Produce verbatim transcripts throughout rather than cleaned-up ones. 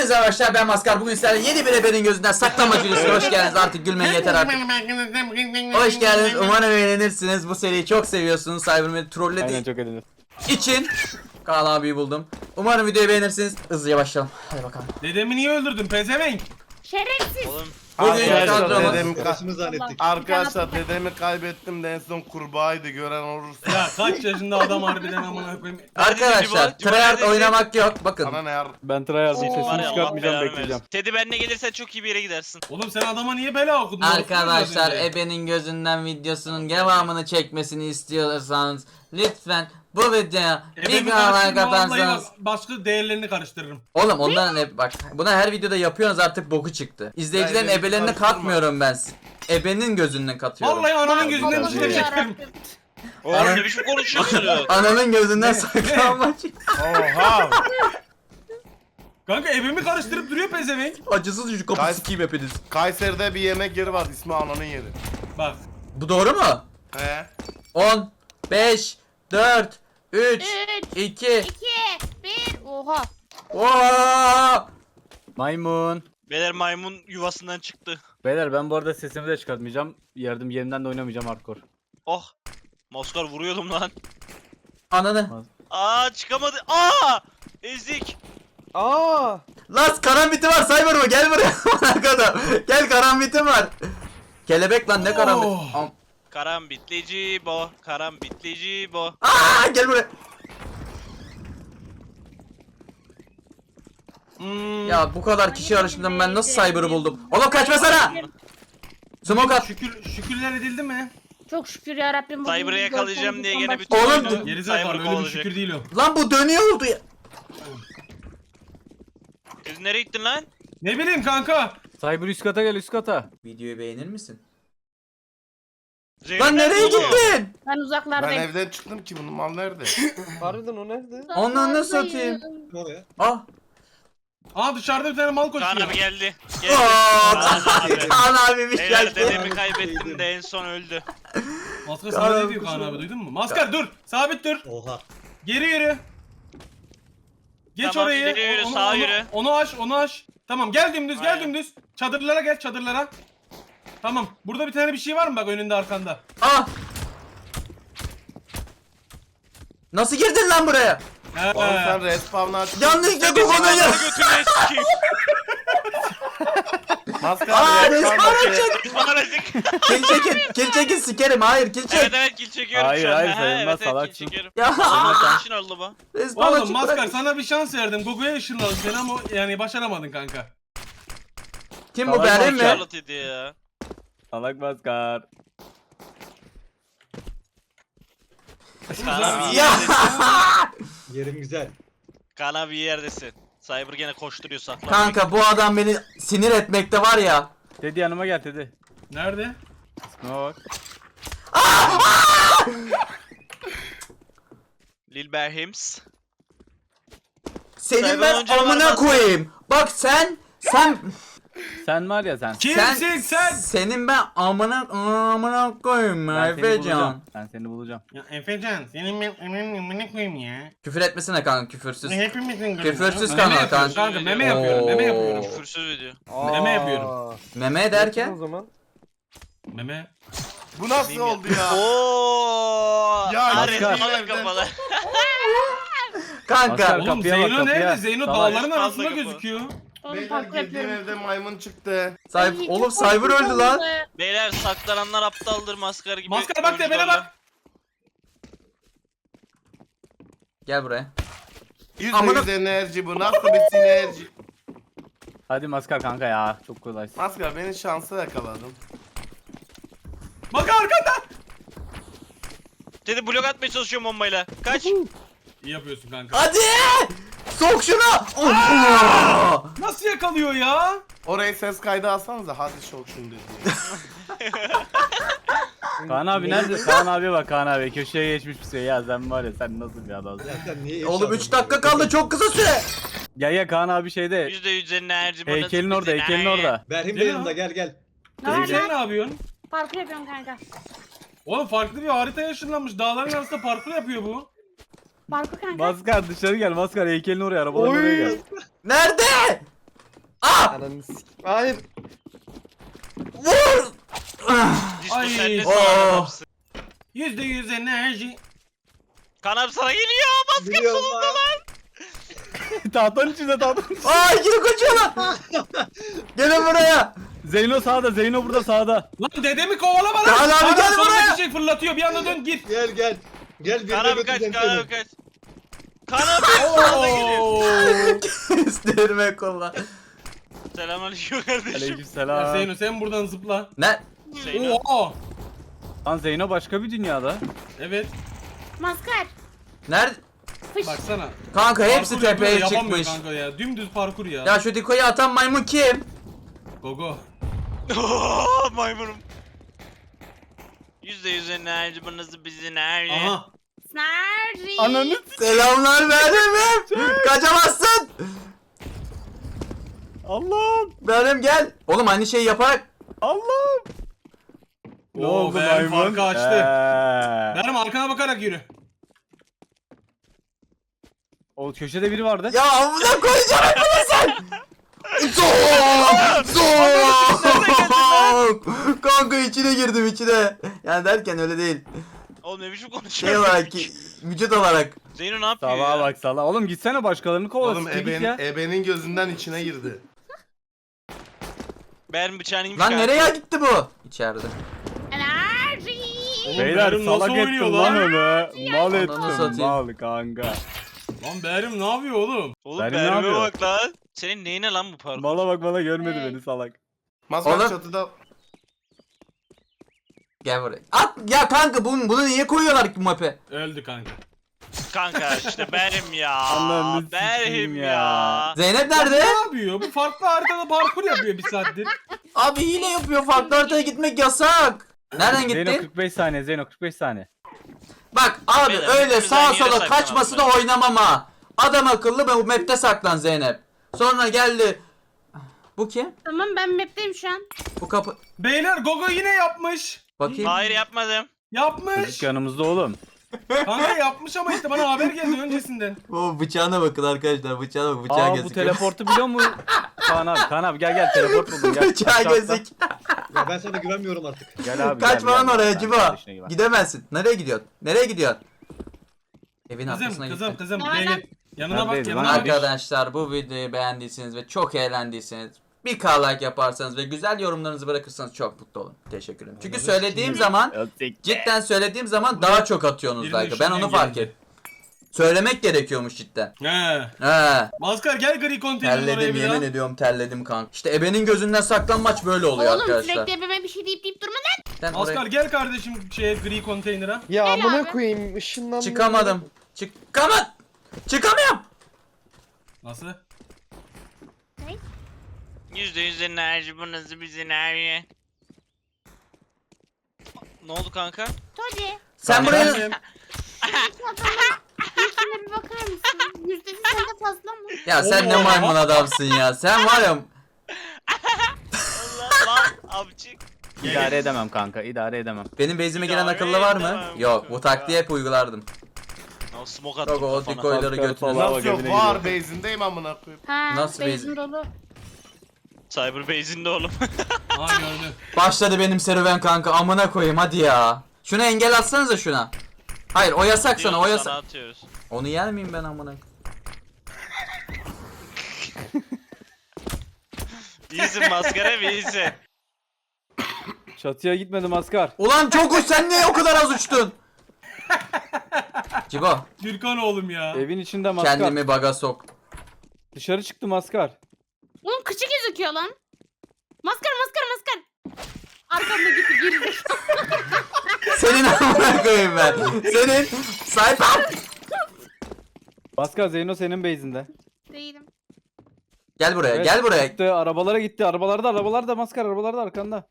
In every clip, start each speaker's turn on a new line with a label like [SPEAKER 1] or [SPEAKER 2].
[SPEAKER 1] Hepinize arkadaşlar, ben Maskar. Bugün sizlerle yeni bir ebenin gözünden saklamacı. Hoş geldiniz, artık gülmeyin yeter artık. Hoş geldiniz, umarım eğlenirsiniz. Bu seriyi çok seviyorsunuz. Cyberman'i trollediği
[SPEAKER 2] Aynen, çok eğlenir.
[SPEAKER 1] için Kaan abiyi buldum. Umarım videoyu beğenirsiniz. Hızlıca başlayalım. Hadi bakalım.
[SPEAKER 3] Dedemi niye öldürdün pezevenk?
[SPEAKER 4] Şerefsiz.
[SPEAKER 5] Oğlum
[SPEAKER 1] Bugün
[SPEAKER 2] Arkadaşlar,
[SPEAKER 1] kadromuz-
[SPEAKER 2] dedemi,
[SPEAKER 6] Karısını zannettik.
[SPEAKER 2] arkadaşlar dedemi kaybettim de en son kurbağaydı, gören olursa.
[SPEAKER 3] Ya kaç yaşında adam harbiden amına koyayım.
[SPEAKER 1] Arkadaşlar,
[SPEAKER 5] Cibo- Cibo
[SPEAKER 1] tryhard
[SPEAKER 5] neredesin?
[SPEAKER 1] oynamak yok. Bakın.
[SPEAKER 2] Sana ne yar?
[SPEAKER 6] Ben tryhard'ın
[SPEAKER 5] var
[SPEAKER 6] sesini
[SPEAKER 5] ya Allah
[SPEAKER 6] çıkartmayacağım,
[SPEAKER 5] belanı
[SPEAKER 6] bekleyeceğim.
[SPEAKER 5] versin. Teddy benle gelirsen çok iyi bir yere gidersin.
[SPEAKER 3] Oğlum sen adama niye bela okudun?
[SPEAKER 1] Arkadaşlar,
[SPEAKER 3] Orası mı
[SPEAKER 1] ebenin gözünden videosunun devamını çekmesini istiyorsanız lütfen bu videoya bir
[SPEAKER 3] Ebemi
[SPEAKER 1] kanal
[SPEAKER 3] karıştırma, vallahi
[SPEAKER 1] katarsanız.
[SPEAKER 3] bak, başka değerlerini karıştırırım.
[SPEAKER 1] Oğlum onların hep bak, buna her videoda yapıyorsunuz, artık boku çıktı. İzleyicilerin
[SPEAKER 2] Ya, ebeni
[SPEAKER 1] ebelerine
[SPEAKER 2] karıştırma.
[SPEAKER 1] katmıyorum ben. Ebenin gözünden katıyorum.
[SPEAKER 3] Vallahi ananın
[SPEAKER 2] Vallahi
[SPEAKER 3] gözünden
[SPEAKER 2] Allah
[SPEAKER 3] dışarı çekerim.
[SPEAKER 5] Oğlum ne biçim konuşuyorsun?
[SPEAKER 1] Ananın gözünden saklanmaç.
[SPEAKER 2] Oha!
[SPEAKER 3] Kanka ebemi karıştırıp duruyor pezevenk.
[SPEAKER 1] Acısız yüzü kapı
[SPEAKER 2] Guys-
[SPEAKER 1] sikeyim hepiniz.
[SPEAKER 2] Kayseri'de bir yemek yeri var, ismi ananın yeri.
[SPEAKER 3] Bak.
[SPEAKER 1] Bu doğru mu?
[SPEAKER 2] He?
[SPEAKER 1] on, beş, dört, üç,
[SPEAKER 4] üç,
[SPEAKER 1] iki.
[SPEAKER 4] iki, bir. Oha.
[SPEAKER 1] Oo!
[SPEAKER 6] Maymun.
[SPEAKER 5] Beyler maymun yuvasından çıktı.
[SPEAKER 6] Beyler, ben bu arada sesimi de çıkartmayacağım. Yardım yerimden de oynamayacağım hardcore.
[SPEAKER 5] Oh. Maskar vuruyordum lan.
[SPEAKER 1] Ananı.
[SPEAKER 5] Aa çıkamadı. Aa! Ezik.
[SPEAKER 1] Lan karambiti var, Cyber mı? Gel buraya. Bana kadar. Gel, karambiti var. Kelebek lan, ne karambit?
[SPEAKER 3] Oh.
[SPEAKER 1] Am-
[SPEAKER 5] Karambitlici bo. Karambitlici bo.
[SPEAKER 1] Aa, gel buraya.
[SPEAKER 3] Hmm,
[SPEAKER 1] Ya bu kadar kişi arasında ben nasıl Cyber'ı buldum? Oğlum kaçmasana. Smoke at.
[SPEAKER 3] şükür, şükürler edildi mi?
[SPEAKER 4] Çok şükür ya Rabbim.
[SPEAKER 5] Cyber'ı yakalayacağım diye gene bütün
[SPEAKER 1] Oğlum,
[SPEAKER 5] oyunu
[SPEAKER 1] bu-
[SPEAKER 3] Gerizekalı
[SPEAKER 5] Cyber
[SPEAKER 3] öyle bir
[SPEAKER 5] kovalayacak.
[SPEAKER 3] şükür değil o.
[SPEAKER 1] Lan bu dönüyor oldu ya.
[SPEAKER 5] Siz nereye gittin lan?
[SPEAKER 3] Ne bileyim kanka.
[SPEAKER 6] Cyber üst kata gel, üst kata.
[SPEAKER 1] Videoyu beğenir misin?
[SPEAKER 5] Zeynep
[SPEAKER 1] Lan nereye
[SPEAKER 5] nerede oğlum?
[SPEAKER 1] gittin?
[SPEAKER 4] Ben
[SPEAKER 2] Ben
[SPEAKER 4] uzaklardayım.
[SPEAKER 2] evden çıktım ki, bunun mal nerede?
[SPEAKER 7] Harbiden o nerede?
[SPEAKER 1] Ondan nasıl atayım?
[SPEAKER 7] Oraya.
[SPEAKER 1] Ah.
[SPEAKER 3] Aa dışarıda bir tane mal
[SPEAKER 5] Kaan
[SPEAKER 3] koşuyor.
[SPEAKER 5] abi geldi. Geldi.
[SPEAKER 1] Aa,
[SPEAKER 5] Kaan abi.
[SPEAKER 1] Kaan abiymiş
[SPEAKER 5] Beyler
[SPEAKER 1] geldi.
[SPEAKER 5] dedemi kaybettim de en son öldü.
[SPEAKER 3] Maskar
[SPEAKER 1] Kaan
[SPEAKER 3] sana ne
[SPEAKER 1] abi
[SPEAKER 3] diyor Kaan
[SPEAKER 1] kusura
[SPEAKER 3] abi, duydun mu? Maskar dur. Sabit dur.
[SPEAKER 7] Oha.
[SPEAKER 3] Geri yürü. Geç
[SPEAKER 5] Tamam,
[SPEAKER 3] orayı.
[SPEAKER 5] ileri yürü,
[SPEAKER 3] onu,
[SPEAKER 5] sağa
[SPEAKER 3] onu,
[SPEAKER 5] yürü.
[SPEAKER 3] Onu aç, onu aç. Tamam, gel dümdüz, gel
[SPEAKER 5] Aynen.
[SPEAKER 3] dümdüz. Çadırlara gel, çadırlara. Tamam. Burada bir tane bir şey var mı bak önünde arkanda?
[SPEAKER 1] Ah. Nasıl girdin lan buraya?
[SPEAKER 3] He.
[SPEAKER 2] Oğlum sen respawn'ı aç.
[SPEAKER 1] Yanlışlıkla
[SPEAKER 5] Dedesi
[SPEAKER 1] Google'a
[SPEAKER 5] bana
[SPEAKER 1] gel.
[SPEAKER 5] götürmeye sikeyim.
[SPEAKER 2] Maskar
[SPEAKER 1] Aa,
[SPEAKER 2] respawn'ı
[SPEAKER 1] respawn
[SPEAKER 2] aç.
[SPEAKER 1] açık.
[SPEAKER 5] Bana rezik.
[SPEAKER 1] Kill çekin. Kill çekin, sikerim. Hayır, kill çek.
[SPEAKER 5] Evet evet kill çekiyorum
[SPEAKER 6] Hayır,
[SPEAKER 5] şu an.
[SPEAKER 6] hayır,
[SPEAKER 5] Ha,
[SPEAKER 6] sayılmaz,
[SPEAKER 5] evet, evet, kill
[SPEAKER 6] salaksın.
[SPEAKER 5] çekiyorum.
[SPEAKER 1] Ya.
[SPEAKER 5] Senin için oldu bu.
[SPEAKER 1] Respawn
[SPEAKER 3] Oğlum
[SPEAKER 1] açık
[SPEAKER 3] Maskar
[SPEAKER 1] bırak.
[SPEAKER 3] sana bir şans verdim. Google'a ışınladım seni ama yani başaramadın kanka.
[SPEAKER 1] Kim bu,
[SPEAKER 6] Salak
[SPEAKER 1] benim mi?
[SPEAKER 5] Charlotte idi ya.
[SPEAKER 6] Salak maskar.
[SPEAKER 5] Kaan abi iyi
[SPEAKER 1] Ya.
[SPEAKER 5] yerdesin.
[SPEAKER 7] Yerim güzel.
[SPEAKER 5] Kaan abi iyi yerdesin. Cyber gene koşturuyor saklan.
[SPEAKER 1] Kanka bu adam beni sinir etmekte var ya.
[SPEAKER 6] Teddy yanıma gel Teddy.
[SPEAKER 3] Nerede?
[SPEAKER 6] İsmime bak.
[SPEAKER 5] Lil Berhims.
[SPEAKER 1] Senin
[SPEAKER 5] Cyber
[SPEAKER 1] ben
[SPEAKER 5] önce var,
[SPEAKER 1] amına
[SPEAKER 5] Maskar.
[SPEAKER 1] koyayım. Bak sen sen
[SPEAKER 6] Sen var ya sen.
[SPEAKER 3] Kimsin sen?
[SPEAKER 1] senin ben amına amına koyayım
[SPEAKER 6] Ben seni
[SPEAKER 1] Efecan.
[SPEAKER 6] bulacağım. Ben seni bulacağım.
[SPEAKER 3] Ya Efecan senin ben emin ne koyayım ya?
[SPEAKER 1] Küfür etmesene kanka, küfürsüz.
[SPEAKER 3] Hepimizin
[SPEAKER 1] Küfürsüz
[SPEAKER 3] Meme
[SPEAKER 1] kanal
[SPEAKER 3] yapıyorum
[SPEAKER 1] kanka.
[SPEAKER 3] kanka, meme yapıyorum, meme
[SPEAKER 1] Oo.
[SPEAKER 3] yapıyorum.
[SPEAKER 5] Küfürsüz video.
[SPEAKER 3] Meme yapıyorum.
[SPEAKER 1] Meme derken
[SPEAKER 7] O zaman.
[SPEAKER 3] Meme.
[SPEAKER 2] Bu nasıl oldu ya?
[SPEAKER 5] Ooo.
[SPEAKER 2] Ya,
[SPEAKER 5] Ares
[SPEAKER 6] Maskar.
[SPEAKER 5] falan kafalı.
[SPEAKER 1] kanka.
[SPEAKER 6] Maskar.
[SPEAKER 3] Oğlum
[SPEAKER 6] Kapıya bak,
[SPEAKER 3] Zeyno
[SPEAKER 6] kapıya.
[SPEAKER 3] nerede? Zeyno
[SPEAKER 6] Salak.
[SPEAKER 3] dağların
[SPEAKER 5] Fazla
[SPEAKER 3] arasında
[SPEAKER 5] kapı.
[SPEAKER 3] gözüküyor.
[SPEAKER 4] Oğlum
[SPEAKER 2] Beyler
[SPEAKER 4] parkur
[SPEAKER 2] girdiğim
[SPEAKER 4] yapıyorum.
[SPEAKER 2] evde maymun çıktı.
[SPEAKER 1] Sahip,
[SPEAKER 4] Ay,
[SPEAKER 1] oğlum
[SPEAKER 4] çok
[SPEAKER 1] Cyber
[SPEAKER 4] korkunç
[SPEAKER 1] öldü lan.
[SPEAKER 4] oldu.
[SPEAKER 5] Beyler saklananlar aptaldır maskar gibi.
[SPEAKER 3] Maskar bak tepene
[SPEAKER 5] oyuncularla.
[SPEAKER 3] bak.
[SPEAKER 1] Gel buraya.
[SPEAKER 2] yüzde
[SPEAKER 1] Amına-
[SPEAKER 2] yüz enerji bu, nasıl bir sinerji?
[SPEAKER 6] Hadi maskar kanka ya. Çok kolay.
[SPEAKER 2] Maskar beni şansa yakaladın.
[SPEAKER 3] Bak arkanda.
[SPEAKER 5] Dedi blok atmaya çalışıyorum bombayla. Kaç.
[SPEAKER 3] İyi yapıyorsun kanka.
[SPEAKER 1] Hadi! Sok şunu! Oh!
[SPEAKER 3] Nasıl yakalıyor ya?
[SPEAKER 2] Orayı ses kaydı alsanıza, hadi şok şimdi diye.
[SPEAKER 6] Kaan abi nerede? Kaan abi bak, Kaan abi köşeye geçmiş bir şey ya, sen var ya, sen nasıl bir adamsın.
[SPEAKER 7] Ya sen niye
[SPEAKER 1] Oğlum
[SPEAKER 7] eşya
[SPEAKER 1] üç dakika kaldı, çok kısa süre.
[SPEAKER 6] Ya ya Kaan abi şeyde,
[SPEAKER 5] yüzde yüz enerji. burada
[SPEAKER 6] heykelin orada,
[SPEAKER 5] bizi-
[SPEAKER 6] heykelin
[SPEAKER 5] Ay.
[SPEAKER 6] orada.
[SPEAKER 7] Berhim de
[SPEAKER 3] Gel
[SPEAKER 7] yanında,
[SPEAKER 3] lan.
[SPEAKER 7] gel gel.
[SPEAKER 4] Ne var
[SPEAKER 3] Sen
[SPEAKER 4] lan?
[SPEAKER 3] ne yapıyorsun?
[SPEAKER 4] Parkur yapıyorum kanka.
[SPEAKER 3] Oğlum farklı bir haritaya ışınlanmış. Dağların arasında parkur yapıyor bu.
[SPEAKER 4] Parkur kanka.
[SPEAKER 6] Maskar dışarı gel, maskar heykelin oraya, arabaların oraya gel.
[SPEAKER 1] Nerede?
[SPEAKER 7] Ananı sik. Hayır.
[SPEAKER 1] Vur!
[SPEAKER 5] Disko
[SPEAKER 3] Ay.
[SPEAKER 5] sen ne
[SPEAKER 1] Oo.
[SPEAKER 5] sağlam adamsın.
[SPEAKER 3] Yüzde yüz enerji.
[SPEAKER 5] Kaan abi sana geliyor. Maske
[SPEAKER 7] Biliyorum
[SPEAKER 5] solunda
[SPEAKER 7] lan.
[SPEAKER 5] lan.
[SPEAKER 6] Tahtanın içinde tahtanın içinde.
[SPEAKER 1] Aa ikili kaçıyorlar. Gelin buraya.
[SPEAKER 6] Zeyno sağda, Zeyno burada sağda.
[SPEAKER 3] Lan dedemi kovalama lan.
[SPEAKER 1] Kaan abi
[SPEAKER 3] Kaan
[SPEAKER 1] gel
[SPEAKER 3] solundaki
[SPEAKER 1] buraya.
[SPEAKER 3] şey fırlatıyor bir anda dön gir.
[SPEAKER 7] Gel gel. Gel bir
[SPEAKER 5] Kaan
[SPEAKER 7] de
[SPEAKER 5] abi kaç,
[SPEAKER 7] götüreceğim
[SPEAKER 5] Kaan
[SPEAKER 7] seni.
[SPEAKER 5] abi kaç. Kaan abi sağda geliyor.
[SPEAKER 3] Oo.
[SPEAKER 1] İsterim kolla.
[SPEAKER 5] Selamünaleyküm kardeşim.
[SPEAKER 3] Ya
[SPEAKER 6] Aleykümselam.
[SPEAKER 3] Zeyno sen buradan zıpla.
[SPEAKER 1] Ne?
[SPEAKER 5] Zeyno.
[SPEAKER 3] Oo.
[SPEAKER 6] Lan Zeyno başka bir dünyada.
[SPEAKER 3] Evet.
[SPEAKER 4] Maskar.
[SPEAKER 1] Nerede?
[SPEAKER 4] Fış.
[SPEAKER 3] Baksana.
[SPEAKER 1] Kanka hepsi
[SPEAKER 3] Parkur yapıyor,
[SPEAKER 1] tepeye
[SPEAKER 3] yapamıyor
[SPEAKER 1] çıkmış.
[SPEAKER 3] Kanka ya. Dümdüz parkur ya.
[SPEAKER 1] Ya şu dikoyu atan maymun kim?
[SPEAKER 3] Gogo.
[SPEAKER 5] Oo, maymunum. Yüzde yüz enerji bu nasıl bizim enerji.
[SPEAKER 3] Aha.
[SPEAKER 4] Snarri.
[SPEAKER 6] Ananı
[SPEAKER 1] Selamlar benim. Kaçamazsın.
[SPEAKER 6] Allah'ım.
[SPEAKER 1] Benim gel. Oğlum aynı şeyi yaparak.
[SPEAKER 6] Allah'ım. Ne
[SPEAKER 3] Oo,
[SPEAKER 6] oldu
[SPEAKER 3] Berim
[SPEAKER 6] maymun?
[SPEAKER 3] farkı açtı.
[SPEAKER 6] Ee.
[SPEAKER 3] Benim arkana bakarak yürü.
[SPEAKER 6] O köşede biri vardı.
[SPEAKER 1] Ya amına koyacağım bunu sen. Soğuk. Soğuk. Kanka içine girdim içine. Yani derken öyle değil.
[SPEAKER 5] Oğlum ne biçim
[SPEAKER 1] Şey
[SPEAKER 5] konuşuyorsun?
[SPEAKER 1] olarak ki vücut olarak.
[SPEAKER 5] Zeyno ne yapıyor
[SPEAKER 6] Salaha
[SPEAKER 5] ya?
[SPEAKER 6] bak salaha. Oğlum gitsene başkalarını kovala.
[SPEAKER 2] Oğlum
[SPEAKER 6] siktir git
[SPEAKER 2] eben,
[SPEAKER 6] ya.
[SPEAKER 2] ebenin gözünden içine girdi.
[SPEAKER 5] Benim bıçağını yemiş
[SPEAKER 1] Lan
[SPEAKER 5] kanka.
[SPEAKER 1] nereye gitti bu? İçeride.
[SPEAKER 4] Enerji.
[SPEAKER 3] Oğlum
[SPEAKER 6] Beyler
[SPEAKER 3] Berim nasıl
[SPEAKER 6] salak
[SPEAKER 3] oynuyor
[SPEAKER 6] ettin lan
[SPEAKER 3] lan?
[SPEAKER 6] onu. Mal
[SPEAKER 1] Ananı
[SPEAKER 6] ettin.
[SPEAKER 1] satayım.
[SPEAKER 6] Mal kanka.
[SPEAKER 3] Lan Berim ne yapıyor oğlum?
[SPEAKER 5] Oğlum
[SPEAKER 6] Benim ne
[SPEAKER 5] Berim'e
[SPEAKER 6] yapıyor?
[SPEAKER 5] bak lan. Senin neyine lan bu parkur?
[SPEAKER 6] Mala bak bana görmedi
[SPEAKER 4] Evet.
[SPEAKER 6] beni salak.
[SPEAKER 2] Maskar
[SPEAKER 1] Oğlum.
[SPEAKER 2] çatıda.
[SPEAKER 1] Gel buraya. At ya kanka bunu, bunu niye koyuyorlar ki map'e?
[SPEAKER 3] Öldü kanka.
[SPEAKER 5] Kanka işte Berim ya.
[SPEAKER 6] Allah'ını sikeyim
[SPEAKER 5] Berim
[SPEAKER 6] ya.
[SPEAKER 5] ya.
[SPEAKER 1] Zeynep
[SPEAKER 3] Ne
[SPEAKER 1] nerede?
[SPEAKER 3] yapıyor? Bu farklı haritada parkur yapıyor bir saattir.
[SPEAKER 1] Abi hile yapıyor. Farklı haritaya gitmek yasak. Nereden
[SPEAKER 6] Zeyno
[SPEAKER 1] gittin?
[SPEAKER 6] kırk beş saniye, Zeyno kırk beş saniye.
[SPEAKER 1] Bak abi
[SPEAKER 5] Beyler,
[SPEAKER 1] öyle
[SPEAKER 5] hepimiz
[SPEAKER 1] sağa
[SPEAKER 5] aynı yere
[SPEAKER 1] sola
[SPEAKER 5] saklanalım
[SPEAKER 1] kaçmasına
[SPEAKER 5] ben.
[SPEAKER 1] oynamam ha. Adam akıllı bu map'te saklan Zeynep. Sonra geldi. Bu kim?
[SPEAKER 4] Tamam ben map'teyim şu an.
[SPEAKER 1] Bu kapı.
[SPEAKER 3] Beyler Gogo yine yapmış.
[SPEAKER 1] Bakayım.
[SPEAKER 5] Hayır yapmadım.
[SPEAKER 3] Yapmış.
[SPEAKER 6] Çocuk yanımızda oğlum.
[SPEAKER 3] Kanka yapmış ama işte bana haber geldi öncesinden.
[SPEAKER 1] O bıçağına bakın arkadaşlar. Bıçağına bak. Bıçağı
[SPEAKER 6] Aa bu
[SPEAKER 1] gözüküyor.
[SPEAKER 6] teleportu biliyor mu? Kaan abi, Kaan abi gel gel teleport buldum gel.
[SPEAKER 1] Bıçağı
[SPEAKER 6] Aşağı atla.
[SPEAKER 1] gözük.
[SPEAKER 7] Ya ben sana güvenmiyorum artık.
[SPEAKER 6] Gel abi
[SPEAKER 1] Kaçma
[SPEAKER 6] gel,
[SPEAKER 1] lan
[SPEAKER 6] gel.
[SPEAKER 1] oraya
[SPEAKER 6] Sen
[SPEAKER 1] Cibo.
[SPEAKER 6] kardeşine güven.
[SPEAKER 1] Gidemezsin. Nereye gidiyorsun? Nereye gidiyorsun? Evin
[SPEAKER 3] Kızım
[SPEAKER 1] arkasına
[SPEAKER 3] kızım
[SPEAKER 1] gitti.
[SPEAKER 3] kızım
[SPEAKER 4] Ne
[SPEAKER 3] buraya
[SPEAKER 4] var lan?
[SPEAKER 3] gel. Yanına bak
[SPEAKER 6] Neredeyiz
[SPEAKER 3] yanına
[SPEAKER 6] lan?
[SPEAKER 3] bak.
[SPEAKER 1] Arkadaşlar bu videoyu beğendiyseniz ve çok eğlendiyseniz bir K like yaparsanız ve güzel yorumlarınızı bırakırsanız çok mutlu olurum. Teşekkür ederim. Çünkü söylediğim zaman
[SPEAKER 6] Öptük.
[SPEAKER 1] cidden söylediğim zaman daha çok atıyorsunuz
[SPEAKER 3] Birinin
[SPEAKER 1] like'ı. Ben onu
[SPEAKER 3] şuradan
[SPEAKER 1] fark
[SPEAKER 3] geldi.
[SPEAKER 1] ettim. Söylemek gerekiyormuş cidden.
[SPEAKER 3] He.
[SPEAKER 1] He.
[SPEAKER 3] Maskar gel gri konteynerin oraya
[SPEAKER 1] Terledim
[SPEAKER 3] bir
[SPEAKER 1] yemin
[SPEAKER 3] daha.
[SPEAKER 1] ediyorum terledim kanka. İşte ebenin gözünden saklanmaç böyle oluyor
[SPEAKER 4] Oğlum
[SPEAKER 1] arkadaşlar.
[SPEAKER 4] sürekli ebeme bir şey deyip deyip durma lan.
[SPEAKER 1] Sen
[SPEAKER 3] Maskar
[SPEAKER 1] oraya
[SPEAKER 3] gel kardeşim şeye gri konteynere.
[SPEAKER 7] Ya
[SPEAKER 4] Gel
[SPEAKER 7] amına
[SPEAKER 4] abi.
[SPEAKER 7] koyayım ışınlanma.
[SPEAKER 1] çıkamadım. Çıkamadım. Çıkamıyorum.
[SPEAKER 3] Nasıl?
[SPEAKER 5] Yüzde yüz enerji bu nasıl bizim enerji. Ne oldu kanka?
[SPEAKER 4] Todi.
[SPEAKER 1] Sen buraya
[SPEAKER 3] Efendim?
[SPEAKER 4] İlkine bir bakar mısın? Yüzdesi sende fazla mı?
[SPEAKER 1] ya sen ne
[SPEAKER 3] Oo.
[SPEAKER 1] maymun adamsın ya. Sen var ya
[SPEAKER 5] Allah lan abicik.
[SPEAKER 6] İdare edemem kanka, idare edemem.
[SPEAKER 1] benim base'ime giren
[SPEAKER 5] İdare
[SPEAKER 1] akıllı var mı?
[SPEAKER 5] edemem
[SPEAKER 1] Yok bu
[SPEAKER 5] kanka.
[SPEAKER 1] taktiği hep uygulardım.
[SPEAKER 5] O smoke attım
[SPEAKER 1] Yok o
[SPEAKER 5] kafana.
[SPEAKER 1] dikoyları
[SPEAKER 6] Maskar
[SPEAKER 1] götürün.
[SPEAKER 6] falan.
[SPEAKER 2] Nasıl yok
[SPEAKER 6] evine
[SPEAKER 2] var base'indeyim amına koyayım.
[SPEAKER 4] Ha,
[SPEAKER 1] Nasıl
[SPEAKER 4] benzin
[SPEAKER 1] bezi-
[SPEAKER 4] dolu.
[SPEAKER 5] Cyber base'inde oğlum.
[SPEAKER 3] Aa gördüm.
[SPEAKER 1] Başladı benim serüven kanka amına koyayım hadi ya. Şuna engel atsanıza şuna. Hayır o yasak sana o
[SPEAKER 5] Diyoruz,
[SPEAKER 1] yasak.
[SPEAKER 5] sana atıyoruz.
[SPEAKER 1] Onu yer miyim ben amına?
[SPEAKER 5] İyisin maskara bir iyisin.
[SPEAKER 6] Çatıya gitmedim asker.
[SPEAKER 1] Ulan çok uç sen niye o kadar az uçtun? Cibo
[SPEAKER 3] Gürkan oğlum ya.
[SPEAKER 6] Evin içinde maskar.
[SPEAKER 1] kendimi baga sok.
[SPEAKER 6] Dışarı çıktım asker.
[SPEAKER 4] Oğlum kıçı gözüküyor lan. Maskar maskar maskar. Arkamda gitti girdi.
[SPEAKER 1] Senin amına koyayım ben. Senin sayfam.
[SPEAKER 6] Maskar Zeyno senin base'inde.
[SPEAKER 4] Değilim.
[SPEAKER 1] Gel buraya
[SPEAKER 6] Evet,
[SPEAKER 1] gel buraya.
[SPEAKER 6] Gitti, arabalara gitti. Arabalarda arabalarda maskar arabalarda arkanda.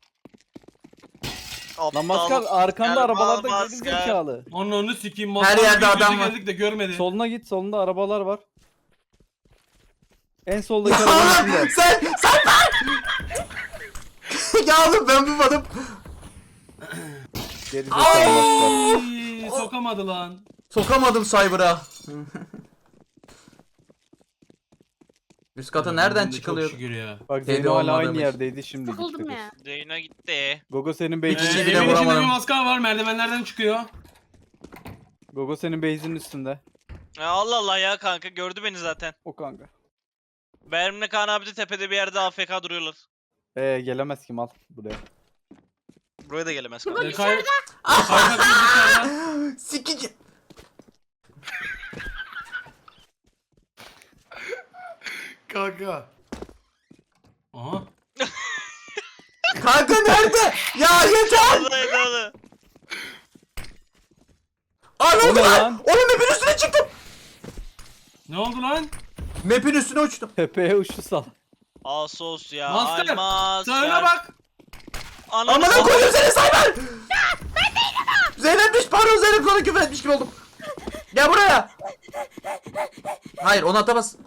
[SPEAKER 6] Lan maskar arkanda
[SPEAKER 5] Gel
[SPEAKER 6] arabalarda
[SPEAKER 5] bal
[SPEAKER 6] geri
[SPEAKER 5] maskar.
[SPEAKER 6] zekalı.
[SPEAKER 3] Onu sikeyim.
[SPEAKER 1] Her
[SPEAKER 3] Maskar
[SPEAKER 1] yerde
[SPEAKER 3] bir
[SPEAKER 1] adam
[SPEAKER 3] yüzü
[SPEAKER 1] var.
[SPEAKER 3] geldik de görmedi.
[SPEAKER 6] Soluna git, solunda arabalar var. En soldaki arabanın
[SPEAKER 1] Oğlum
[SPEAKER 6] içinde.
[SPEAKER 1] sen sen ya oğlum ben bu adım.
[SPEAKER 6] Geri zekalı maskar.
[SPEAKER 3] Ay, sokamadı lan.
[SPEAKER 1] Sokamadım Cyber'a. Üst kata nereden
[SPEAKER 3] Çok
[SPEAKER 1] çıkılıyor?
[SPEAKER 3] şükür ya.
[SPEAKER 6] Bak
[SPEAKER 1] Dedi
[SPEAKER 6] Zeyno hala
[SPEAKER 1] olmadığım
[SPEAKER 6] aynı
[SPEAKER 1] için.
[SPEAKER 6] yerdeydi şimdi
[SPEAKER 4] Sıkıldım
[SPEAKER 6] gitti.
[SPEAKER 4] ya.
[SPEAKER 5] Zeyno gitti.
[SPEAKER 6] Gogo senin
[SPEAKER 1] Bir
[SPEAKER 3] Ee,
[SPEAKER 1] kişi
[SPEAKER 6] base'in
[SPEAKER 1] bile
[SPEAKER 3] evin içinde
[SPEAKER 1] vuramadım.
[SPEAKER 3] bir maskar var merdivenlerden çıkıyor.
[SPEAKER 6] Gogo senin base'in üstünde.
[SPEAKER 5] Ya Allah Allah ya kanka gördü beni zaten.
[SPEAKER 6] O kanka.
[SPEAKER 5] Benimle Kaan abi de tepede bir yerde A F K duruyorlar.
[SPEAKER 6] Ee gelemez ki mal buraya.
[SPEAKER 5] Buraya da gelemez
[SPEAKER 3] Ee,
[SPEAKER 5] kanka.
[SPEAKER 3] kay... Kaypak dışarıda.
[SPEAKER 1] Sikici.
[SPEAKER 2] Kanka.
[SPEAKER 3] Aha.
[SPEAKER 1] Kanka nerede? Ya yeter.
[SPEAKER 5] Vallahi doğru.
[SPEAKER 1] Aa ne
[SPEAKER 6] O
[SPEAKER 1] oldu
[SPEAKER 6] ne
[SPEAKER 1] lan?
[SPEAKER 6] lan?
[SPEAKER 1] Oğlum map'in üstüne çıktım.
[SPEAKER 3] Ne oldu lan?
[SPEAKER 1] Map'in üstüne uçtum.
[SPEAKER 6] Tepeye uçtu sal.
[SPEAKER 5] Asos ya.
[SPEAKER 3] Maskar,
[SPEAKER 5] Almaz.
[SPEAKER 3] Sağına bak.
[SPEAKER 5] Ananı
[SPEAKER 1] Amına
[SPEAKER 5] s-
[SPEAKER 1] koydum seni Cyber. Zeynep'miş pardon Zeynep sana küfür etmiş gibi oldum. Gel buraya. Hayır onu atamaz.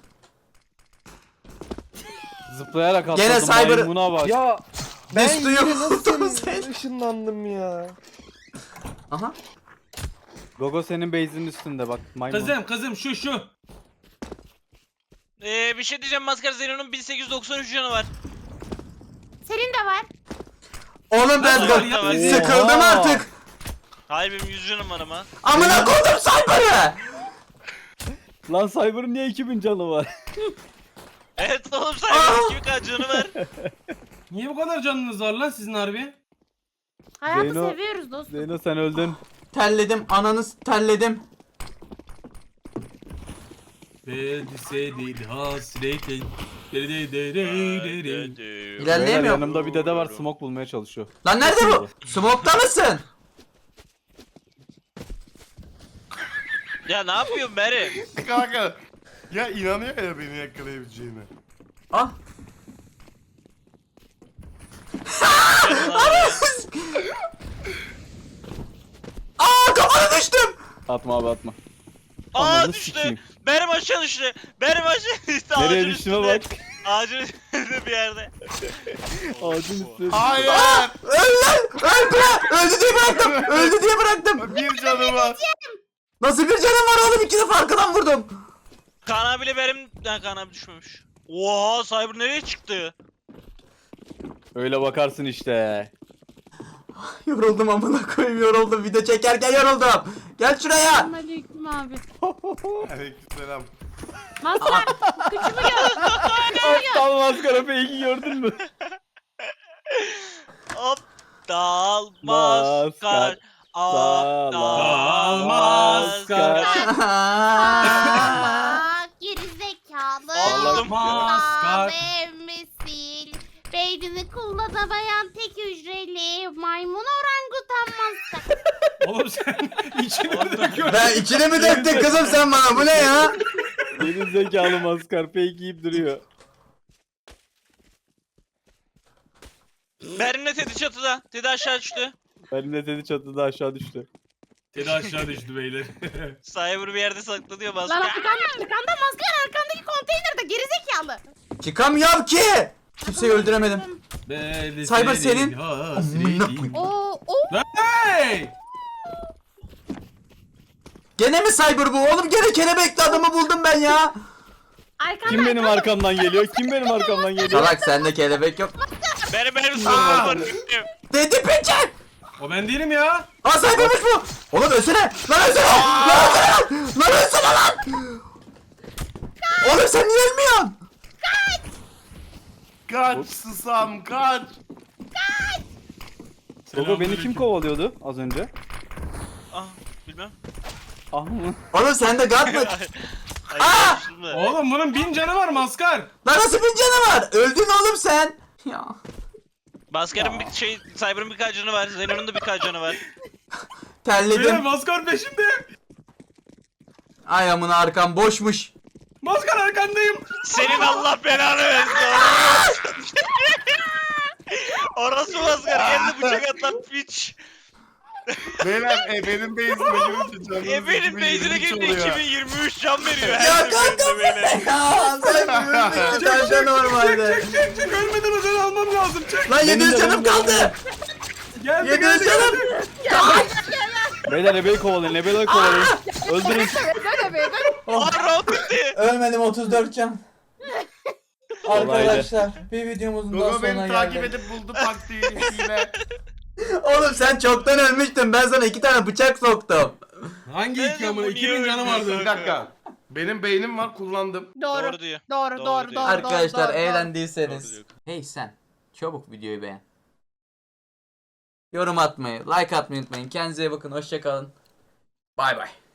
[SPEAKER 6] Zıplayarak atladım.
[SPEAKER 1] Gene cyber-
[SPEAKER 6] Maymuna bak.
[SPEAKER 7] Ya ben
[SPEAKER 1] Biz
[SPEAKER 7] yine
[SPEAKER 1] duyuyoruz
[SPEAKER 7] nasıl
[SPEAKER 1] seni.
[SPEAKER 7] ışınlandım ya.
[SPEAKER 1] Aha.
[SPEAKER 6] Gogo senin base'in üstünde bak. Maymun.
[SPEAKER 3] Kızım kızım şu şu.
[SPEAKER 5] Ee, bir şey diyeceğim Maskar Zeyno'nun bin sekiz yüz doksan üç canı var.
[SPEAKER 4] Senin de var.
[SPEAKER 1] Oğlum ben
[SPEAKER 3] Nasıl
[SPEAKER 1] de
[SPEAKER 3] ya?
[SPEAKER 1] sıkıldım
[SPEAKER 6] Oha.
[SPEAKER 1] artık.
[SPEAKER 5] Hayır benim yüz canım var ama.
[SPEAKER 1] Amına koydum Cyber'ı.
[SPEAKER 6] Lan Cyber'ın niye iki bin canı var?
[SPEAKER 5] Evet oğlum
[SPEAKER 1] Aa!
[SPEAKER 5] sayfanın kimi kaç canı var.
[SPEAKER 3] Niye bu kadar canınız var lan sizin harbi?
[SPEAKER 4] Hayatı
[SPEAKER 6] Zeyno-
[SPEAKER 4] seviyoruz dostum.
[SPEAKER 6] Zeyno sen öldün.
[SPEAKER 1] Terledim ananı terledim.
[SPEAKER 3] Beldiseydi hasretin. Deri deri deri deri.
[SPEAKER 6] Beyler
[SPEAKER 1] İlerleyemiyorum.
[SPEAKER 6] yanımda bir dede var smoke bulmaya çalışıyor.
[SPEAKER 1] Lan nerede bu? Smoke'ta mısın?
[SPEAKER 5] Ya ne yapıyorsun Meri?
[SPEAKER 2] Kanka. Ya inanıyor ya beni yakalayabileceğine.
[SPEAKER 1] Ah. Aa kafana düştüm.
[SPEAKER 6] Atma abi atma.
[SPEAKER 5] Aa
[SPEAKER 6] Ananı
[SPEAKER 5] düştü.
[SPEAKER 6] sikeyim.
[SPEAKER 5] Benim aşağı düştü. Benim aşağı düştü.
[SPEAKER 6] Nereye
[SPEAKER 5] Ağacın
[SPEAKER 6] düştüğüne
[SPEAKER 5] üstünde.
[SPEAKER 6] bak.
[SPEAKER 5] Ağacın üstünde bir yerde.
[SPEAKER 6] Ağacın üstüne.
[SPEAKER 2] Hayır.
[SPEAKER 1] Öl lan. Öl bırak. Öldü diye bıraktım. Öldü diye bıraktım.
[SPEAKER 2] Bir canım var.
[SPEAKER 1] Nasıl bir canım var oğlum? İki defa arkadan vurdum.
[SPEAKER 5] Kaan abiyle benim... Ha, Kaan abi düşmemiş. Oha Cyber nereye çıktı?
[SPEAKER 6] Öyle bakarsın işte.
[SPEAKER 1] Yoruldum amına koyayım yoruldum. Video çekerken yoruldum. Gel şuraya.
[SPEAKER 4] Aleyküm abi.
[SPEAKER 2] Aleykümselam.
[SPEAKER 4] Maskar gücümü gör.
[SPEAKER 6] Aptal maskara fake'i gördün mü?
[SPEAKER 5] Aptal
[SPEAKER 6] Maskar.
[SPEAKER 5] maskar. Aptal
[SPEAKER 3] maskar.
[SPEAKER 5] maskar.
[SPEAKER 4] Aa, gerizekalı.
[SPEAKER 5] Aldım.
[SPEAKER 3] Maskar.
[SPEAKER 4] Emmesil. Beynini kullanamayan tek hücreli maymun orangutan maskar.
[SPEAKER 3] Oğlum sen içine döküyorsun.
[SPEAKER 1] Ben içine mi döktün kızım sen bana? Bu ne ya?
[SPEAKER 6] Benim zekalı maskar fake yiyip duruyor.
[SPEAKER 5] Benimle Teddy çatıda. Teddy aşağı düştü.
[SPEAKER 6] Benim de dedi çatıda aşağı düştü.
[SPEAKER 3] Tedi aşağı düştü beyler.
[SPEAKER 5] Cyber bir yerde saklanıyor
[SPEAKER 4] Lan
[SPEAKER 5] maskar.
[SPEAKER 4] arkanda arkanda maskar arkandaki konteynerde gerizekalı.
[SPEAKER 1] Çıkamıyorum ki. Kimseyi öldüremedim. Cyber senin.
[SPEAKER 3] Hasretin.
[SPEAKER 4] Oo o
[SPEAKER 3] Hey!
[SPEAKER 1] Gene mi Cyber bu? Oğlum gene kelebekli adamı buldum ben ya.
[SPEAKER 4] arkanda.
[SPEAKER 6] Kim benim arkamdan geliyor? Kim benim arkamdan geliyor?
[SPEAKER 1] Salak sende kelebek yok.
[SPEAKER 5] Benim benim sorunum var.
[SPEAKER 1] Dedi peçet.
[SPEAKER 3] O ben değilim ya.
[SPEAKER 1] Aa Cyber'mış bu. Oğlum ölsene. Lan ölsene. Lan ölsene lan. Lan ölsene lan. Oğlum sen niye ölmüyorsun?
[SPEAKER 2] Kaç susam kaç.
[SPEAKER 6] Gogo beni kim kovalıyordu az önce?
[SPEAKER 5] Ah bilmem.
[SPEAKER 6] Ah mı?
[SPEAKER 1] Oğlum sende God mı?
[SPEAKER 5] Ay,
[SPEAKER 1] Aa!
[SPEAKER 5] karıştırdım da.
[SPEAKER 3] Oğlum bunun bin canı var maskar.
[SPEAKER 1] Lan nasıl bir canı var? Öldün oğlum sen. Ya.
[SPEAKER 5] Maskar'ın bir şey, Cyber'ın birkaç canı var. Zeno'nun da birkaç canı var.
[SPEAKER 3] Beyler
[SPEAKER 1] Terledim.
[SPEAKER 3] maskar peşimde.
[SPEAKER 1] Ay amına arkam boşmuş.
[SPEAKER 3] Maskar arkandayım.
[SPEAKER 5] Senin Allah belanı versin. Orası maskar. Geldi bıçak atan piç.
[SPEAKER 2] Beyler e, benim base'ime girince canım.
[SPEAKER 5] E benim base'ine girdi iki bin yirmi üç can veriyor.
[SPEAKER 1] Ya
[SPEAKER 5] Her
[SPEAKER 1] kanka
[SPEAKER 5] seferinde böyle.
[SPEAKER 1] Ya sen ölmüşsün bence normalde.
[SPEAKER 3] Çek çek çek ölmeden özel almam lazım. Çek.
[SPEAKER 1] Lan yedi yüz
[SPEAKER 6] Benim de,
[SPEAKER 1] canım
[SPEAKER 6] benim de,
[SPEAKER 1] kaldı.
[SPEAKER 3] Geldi
[SPEAKER 1] yedi yüz
[SPEAKER 3] geldi
[SPEAKER 1] canım.
[SPEAKER 3] geldi.
[SPEAKER 6] Beyler ebeyi kovalayın, ebeyi kovalayın. Öldürün.
[SPEAKER 5] Aa round bitti.
[SPEAKER 1] Ölmedim otuz dört can. Arkadaşlar bir videomuzun daha
[SPEAKER 2] Gogo
[SPEAKER 1] sonuna
[SPEAKER 2] beni takip
[SPEAKER 1] geldik.
[SPEAKER 2] edip buldu taktiğiyle.
[SPEAKER 1] Oğlum sen çoktan ölmüştün. Ben sana iki tane bıçak soktum.
[SPEAKER 3] Hangi
[SPEAKER 5] Ben
[SPEAKER 3] iki
[SPEAKER 5] de
[SPEAKER 3] amına?
[SPEAKER 5] bu
[SPEAKER 3] iki
[SPEAKER 5] niye
[SPEAKER 3] bin canım
[SPEAKER 5] ölmüyor
[SPEAKER 3] vardı.
[SPEAKER 2] Bir dakika. Benim beynim var kullandım.
[SPEAKER 4] Doğru.
[SPEAKER 5] Doğru diyor.
[SPEAKER 4] Doğru
[SPEAKER 5] Doğru
[SPEAKER 4] doğru doğru.
[SPEAKER 5] diyor.
[SPEAKER 1] Arkadaşlar
[SPEAKER 4] doğru, doğru.
[SPEAKER 1] eğlendiyseniz.
[SPEAKER 5] Doğru diyor.
[SPEAKER 1] Hey sen. Çabuk videoyu beğen. Yorum atmayı, like atmayı unutmayın. Kendinize iyi bakın. Hoşça kalın. Bay bay.